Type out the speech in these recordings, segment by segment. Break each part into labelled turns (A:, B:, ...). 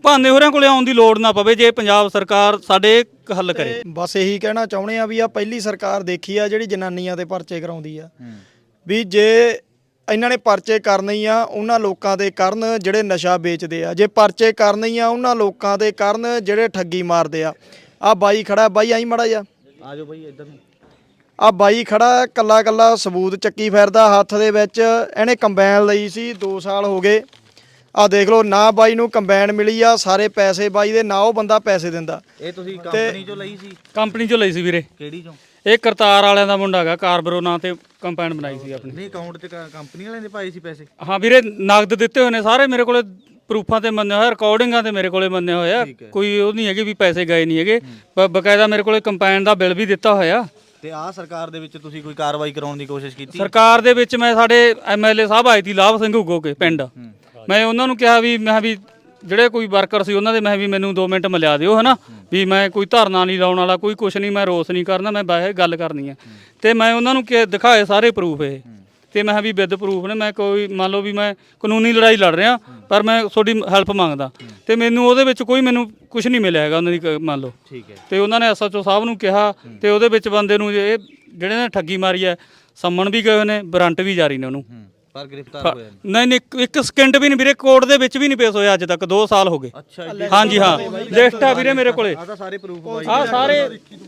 A: ਭਾਨੇ ਹੋਰਾਂ ਕੋਲੇ ਆਉਣ ਦੀ ਲੋੜ ਨਾ ਪਵੇ ਜੇ ਪੰਜਾਬ ਸਰਕਾਰ ਸਾਡੇ ਹੱਲ ਕਰੇ।
B: ਬਸ ਇਹੀ ਕਹਿਣਾ ਚਾਹੁੰਦੇ ਆ ਵੀ ਆ ਪਹਿਲੀ ਸਰਕਾਰ ਦੇਖੀ ਆ ਜਿਹੜੀ ਜਨਾਨੀਆਂ ਦੇ ਪਰਚੇ ਕਰਾਉਂਦੀ ਆ। ਵੀ ਜੇ ਇਹਨਾਂ ਨੇ ਪਰਚੇ ਕਰਨੇ ਹੀ ਆ ਉਹਨਾਂ ਲੋਕਾਂ ਦੇ ਕਰਨ ਜਿਹੜੇ ਨਸ਼ਾ ਵੇਚਦੇ ਆ, ਜੇ ਪਰਚੇ ਕਰਨੇ ਹੀ ਆ ਉਹਨਾਂ ਲੋਕਾਂ ਦੇ ਕਰਨ ਜਿਹੜੇ ਠੱਗੀ ਮਾਰਦੇ ਆ। ਆ ਬਾਈ ਖੜਾ, ਬਾਈ ਆਈ ਮੜਾ ਜਾ,
C: ਆ ਜਾਓ ਬਾਈ ਇੱਧਰ ਨੂੰ।
B: ਆ ਬਾਈ ਖੜਾ ਕੱਲਾ ਕੱਲਾ ਸਬੂਤ ਚੱਕੀ ਫਿਰਦਾ ਹੱਥ ਦੇ ਵਿੱਚ। ਇਹਨੇ ਕੰਬਾਈਨ ਲਈ ਸੀ 2 ਸਾਲ ਹੋ ਗਏ। ਆ ਦੇਖ ਲਓ ਨਾ ਬਾਈ ਨੂੰ ਕੰਬਾਈਨ ਮਿਲੀ ਆ, ਸਾਰੇ ਪੈਸੇ ਬਾਈ ਦੇ, ਨਾ ਉਹ ਬੰਦਾ ਪੈਸੇ ਦਿੰਦਾ।
C: ਇਹ ਤੁਸੀਂ ਕੰਪਨੀ ਚੋਂ ਲਈ ਸੀ?
A: ਕੰਪਨੀ ਚੋਂ ਲਈ ਸੀ ਵੀਰੇ।
C: ਕਿਹੜੀ ਚੋਂ?
A: ਇਹ ਕਰਤਾਰ ਵਾਲਿਆਂ ਦਾ ਮੁੰਡਾ ਹੈਗਾ, ਕਾਰਬਰੋ ਨਾਂ ਤੇ ਕੰਪਾਈਨ ਬਣਾਈ ਸੀ ਆਪਣੀ।
C: ਨਹੀਂ ਅਕਾਊਂਟ 'ਚ ਕੰਪਨੀ ਵਾਲਿਆਂ ਦੇ ਪਾਏ ਸੀ ਪੈਸੇ?
A: ਹਾਂ ਵੀਰੇ, ਨਗਦ ਦਿੱਤੇ ਹੋਏ ਨੇ ਸਾਰੇ, ਮੇਰੇ ਕੋਲੇ ਪ੍ਰੂਫਾਂ ਤੇ ਮੰਨੇ ਹੋਇਆ, ਰਿਕਾਰਡਿੰਗਾਂ ਤੇ ਮੇਰੇ ਕੋਲੇ ਮੰਨੇ ਹੋਇਆ। ਕੋਈ ਉਹ ਨਹੀਂ ਹੈਗੇ ਵੀ ਪੈਸੇ ਗਏ ਨਹੀਂ ਹੈਗੇ, ਬਕਾਇਦਾ ਮੇਰੇ ਕੋਲੇ ਕੰਪਾਈਨ ਦਾ ਬਿੱਲ ਵੀ ਦਿੱਤਾ ਹੋਇਆ।
C: ਤੇ ਆਹ ਸਰਕਾਰ ਦੇ ਵਿੱਚ ਤੁਸੀਂ ਕੋਈ ਕਾਰਵਾਈ ਕਰਾਉਣ ਦੀ ਕੋਸ਼ਿਸ਼ ਕੀਤੀ?
A: ਸਰਕਾਰ ਦੇ ਵਿੱਚ ਮੈਂ ਸਾਡੇ ਐਮਐਲਏ ਸਾਹਿਬ ਆਏ ਸੀ ਲਾਭ ਸਿੰਘ ਉਗੋ ਕੇ ਪਿੰਡ, ਮੈਂ ਉਹਨਾਂ ਨੂੰ ਕਿਹਾ ਵੀ ਮੈਂ ਵੀ ਜਿਹੜੇ ਕੋਈ ਵਰਕਰ ਸੀ ਉਹਨਾਂ ਦੇ ਮੈਂ ਵੀ ਮੈਨੂੰ 2 ਮਿੰਟ ਮਿਲਾ ਦਿਓ ਹਨਾ, ਵੀ ਮੈਂ ਕੋਈ ਧਰਨਾ ਨਹੀਂ ਲਾਉਣ ਵਾਲਾ, ਕੋਈ ਕੁਛ ਨਹੀਂ, ਮੈਂ ਰੋਸ ਨਹੀਂ ਕਰਨਾ, ਮੈਂ ਬਾਹਰ ਗੱਲ ਕਰਨੀ ਹੈ। ਤੇ ਮੈਂ ਉਹਨਾਂ ਨੂੰ ਦਿਖਾਏ ਸਾਰੇ ਪ੍ਰੂਫ ਇਹ, ਤੇ ਮੈਂ ਵੀ ਵਿਦ ਪ੍ਰੂਫ ਨੇ, ਮੈਂ ਕੋਈ ਮੰਨ ਲਓ ਵੀ ਮੈਂ ਕਾਨੂੰਨੀ ਲੜਾਈ ਲੜ ਰਿਹਾ ਪਰ ਮੈਂ ਤੁਹਾਡੀ ਹੈਲਪ ਮੰਗਦਾ, ਤੇ ਮੈਨੂੰ ਉਹਦੇ ਵਿੱਚ ਕੋਈ ਮੈਨੂੰ ਕੁਛ ਨਹੀਂ ਮਿਲਿਆ ਹੈਗਾ ਉਹਨਾਂ ਦੀ ਮੰਨ ਲਓ। ਠੀਕ ਹੈ। ਤੇ ਉਹਨਾਂ ਨੇ ਐਸਐਚਓ ਸਾਹਿਬ ਨੂੰ ਕਿਹਾ, ਤੇ ਉਹਦੇ ਵਿੱਚ ਬੰਦੇ ਨੂੰ ਇਹ ਜਿਹੜੇ ਨੇ ਠੱਗੀ ਮਾਰੀ ਹੈ ਸੰਮਣ ਵੀ ਗਏ ਹੋਏ ਨੇ, ਵਾਰੰਟ ਵੀ ਜਾਰੀ ਨੇ ਉਹਨੂੰ,
C: ਪਰ ਗ੍ਰਿਫਤਾਰ ਹੋਇਆ
A: ਨਹੀਂ, ਇੱਕ ਸਕਿੰਟ ਵੀ ਨਹੀਂ ਵੀਰੇ, ਕੋਰਟ ਦੇ ਵਿੱਚ ਵੀ ਨਹੀਂ ਪੇਸ਼ ਹੋਇਆ ਅੱਜ ਤੱਕ, 2 ਸਾਲ ਹੋ ਗਏ। ਹਾਂਜੀ ਹਾਂ, ਲਿਸਟ ਆ ਵੀਰੇ ਮੇਰੇ ਕੋਲੇ,
C: ਆ ਸਾਰੇ ਪ੍ਰੂਫ
A: ਆ ਸਾਰੇ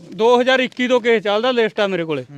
A: 2021 ਤੋਂ ਕੇਸ ਚੱਲਦਾ, ਲਿਸਟ ਆ ਮੇਰੇ ਕੋਲੇ।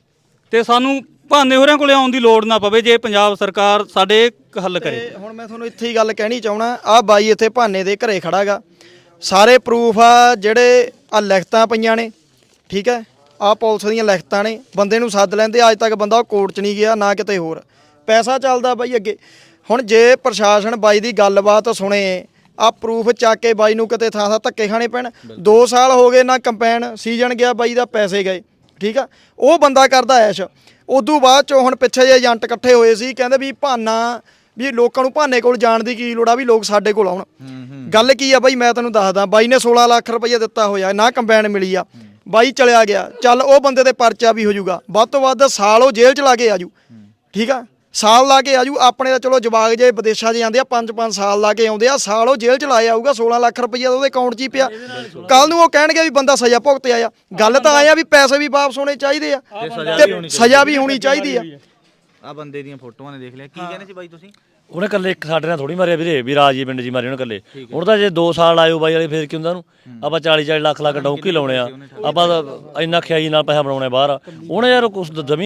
A: ਤੇ ਸਾਨੂੰ ਭਾਨੇ ਹੋਰਾਂ ਕੋਲੇ ਆਉਣ ਦੀ ਲੋੜ ਨਾ ਪਵੇ ਜੇ ਪੰਜਾਬ ਸਰਕਾਰ ਸਾਡੇ ਹੱਲ ਕਰੇ।
B: ਹੁਣ ਮੈਂ ਤੁਹਾਨੂੰ ਇੱਥੇ ਹੀ ਗੱਲ ਕਹਿਣੀ ਚਾਹਣਾ, ਆ ਬਾਈ ਇੱਥੇ ਭਾਨੇ ਦੇ ਘਰੇ ਖੜਾਗਾ, ਸਾਰੇ ਪ੍ਰੂਫ ਆ ਜਿਹੜੇ ਆ ਲਿਖਤਾਂ ਪਈਆਂ ਨੇ। ਠੀਕ ਹੈ, ਆ ਪੁਲਿਸ ਦੀਆਂ ਲਿਖਤਾਂ ਨੇ, ਬੰਦੇ ਨੂੰ ਸੱਦ ਲੈਂਦੇ, ਅੱਜ ਤੱਕ ਬੰਦਾ ਉਹ ਕੋਰਟ 'ਚ ਨਹੀਂ ਗਿਆ ਨਾ ਕਿਤੇ ਹੋਰ, ਪੈਸਾ ਚੱਲਦਾ ਬਾਈ ਅੱਗੇ। ਹੁਣ ਜੇ ਪ੍ਰਸ਼ਾਸਨ ਬਾਈ ਦੀ ਗੱਲਬਾਤ ਸੁਣੇ, ਆ ਪ੍ਰੂਫ ਚੱਕ ਕੇ ਬਾਈ ਨੂੰ ਕਿਤੇ ਥਾਂ ਧੱਕੇ ਖਾਣੇ ਪੈਣ। 2 ਸਾਲ ਹੋ ਗਏ ਨਾ ਕੰਪੈਨ ਸੀਜ਼ਨ ਗਿਆ ਬਾਈ ਦਾ, ਪੈਸੇ ਗਏ। ਠੀਕ ਆ, ਉਹ ਬੰਦਾ ਕਰਦਾ ਐਸ਼। ਉਦੋਂ ਬਾਅਦ ਚੋਂ ਹੁਣ ਪਿੱਛੇ ਜੇ ਏਜੰਟ ਇਕੱਠੇ ਹੋਏ ਸੀ, ਕਹਿੰਦੇ ਵੀ ਭਾਨਾ ਵੀ ਲੋਕਾਂ ਨੂੰ ਭਾਨੇ ਕੋਲ ਜਾਣ ਦੀ ਕੀ ਲੋੜ ਆ, ਵੀ ਲੋਕ ਸਾਡੇ ਕੋਲ ਆਉਣ। ਗੱਲ ਕੀ ਆ ਬਾਈ, ਮੈਂ ਤੈਨੂੰ ਦੱਸਦਾ, ਬਾਈ ਨੇ 16 ਲੱਖ ਰੁਪਈਆ ਦਿੱਤਾ ਹੋਇਆ, ਨਾ ਕੰਬਾਈਨ ਮਿਲੀ ਆ, ਬਾਈ ਚਲਿਆ ਗਿਆ। ਚੱਲ ਉਹ ਬੰਦੇ ਤੇ ਪਰਚਾ ਵੀ ਹੋ ਜਾਊਗਾ, ਵੱਧ ਤੋਂ ਵੱਧ ਸਾਲ ਉਹ ਜੇਲ੍ਹ 'ਚ ਲਾ ਕੇ ਆਜੂ। ਠੀਕ ਆ, ਸਾਲ ਲਾ ਕੇ ਆਜੂ। ਆਪਣੇ ਤਾਂ ਚਲੋ ਜਵਾਕ ਜੇ ਵਿਦੇਸ਼ਾਂ 'ਚ ਜਾਂਦੇ ਆ 5-5 ਸਾਲ ਲਾ ਕੇ ਆਉਂਦੇ ਆ, ਸਾਲ ਉਹ ਜੇਲ੍ਹ 'ਚ ਲਾਇਆ ਆਊਗਾ। 16 ਲੱਖ ਰੁਪਈਆ ਉਹਦੇ ਅਕਾਊਂਟ 'ਚ ਹੀ ਪਿਆ। ਕੱਲ ਨੂੰ ਉਹ ਕਹਿਣਗੇ ਵੀ ਬੰਦਾ ਸਜ਼ਾ ਭੁਗਤ ਆਇਆ। ਗੱਲ ਤਾਂ ਆਇਆ ਵੀ ਪੈਸੇ ਵੀ ਵਾਪਸ ਹੋਣੇ ਚਾਹੀਦੇ ਆ, ਤੇ ਸਜ਼ਾ ਵੀ ਹੋਣੀ ਚਾਹੀਦੀ ਆ।
C: ਆ ਬੰਦੇ ਦੀਆਂ ਫੋਟੋਆਂ ਨੇ ਦੇਖ ਲਿਆ, ਕੀ ਕਹਿੰਦੇ ਸੀ ਬਾਈ ਤੁਸੀਂ?
D: ਉਹਨੇ ਕੱਲੇ ਇੱਕ ਸਾਡੇ ਨਾਲ ਥੋੜੀ ਮਾਰਿਆ ਵੀਰੇ, ਵੀ ਰਾਜੀ ਪਿੰਡ 'ਚ ਮਾਰੇ ਉਹਨੇ ਕੱਲੇ। ਹੁਣ ਤਾਂ ਜੇ 2 ਸਾਲ ਆਇਓ ਬਾਈ ਵਾਲੇ, ਫੇਰ ਕੀ ਹੁੰਦਾ ਉਹਨੂੰ? ਆਪਾਂ 40-40 ਲੱਖ ਡੌਂਕੀ ਲਾਉਣੇ ਆ, ਆਪਾਂ ਇੰਨਾ ਖਿਆਈ ਨਾਲ ਪੈਸਾ ਬਣਾਉਣੇ ਬਾਹਰ। ਉਹਨੇ ਯਾਰ ਕੁਛ ਜ਼ਮੀਨ